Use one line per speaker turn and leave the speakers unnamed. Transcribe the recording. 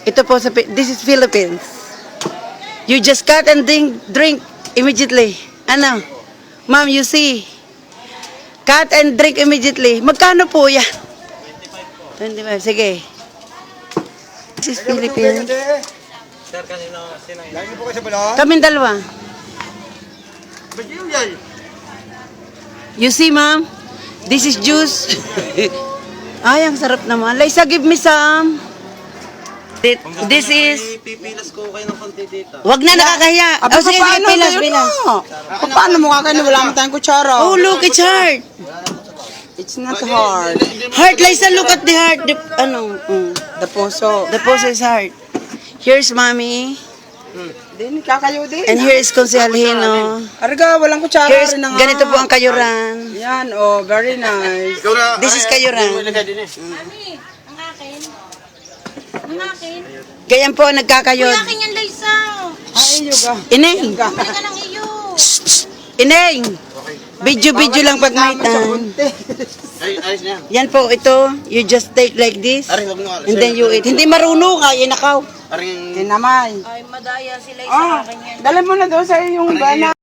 Ito po sa, this is Philippines. You just cut and drink immediately. Ano? Ma'am, you see. Cut and drink immediately. Magkano po yan? 25. Sige. This is Philippines.
Sir, kanino? Sino yun?
Lagi po kayo sa balon?
Kaming dalawa.
Ba't yun yan?
You see, ma'am? This is juice. Ay, ang sarap naman. Liza, give me some. This is...
Pipilas ko kayo ng konti dito.
Wag na, nakakahiya.
Aba,
Oh, sige,
paano?
bilas,
Ayun
bilas.
na. Paano mo kakain? Wala mo tayong kutsara.
Oh, look, it's hard.
It's not hard.
Heart, Liza, look at the heart. The,
The puso.
the pose is hard. Here's mommy.
Din, kakayo din.
And here is Consialino.
Arga, walang kutsara
Here's,
rin na nga.
ganito po ang kayuran.
Yan, oh, very nice.
This is kayuran.
Mami, ang akin. Ang akin.
Ganyan po ang nagkakayod.
Ang akin yan, Liza.
Ay, yoga.
Ineng!
Teka lang iyo.
Ineng! Video lang pag may time.
Ayos na yan.
Yan po, ito. You just take like this.
Aring, huwag mo.
And then you eat. Hindi marunong ka, inakaw.
Aring,
Kinamay.
Ay, madaya si Liza
Ah,
akin yan.
dala mo na doon sa iyong bana.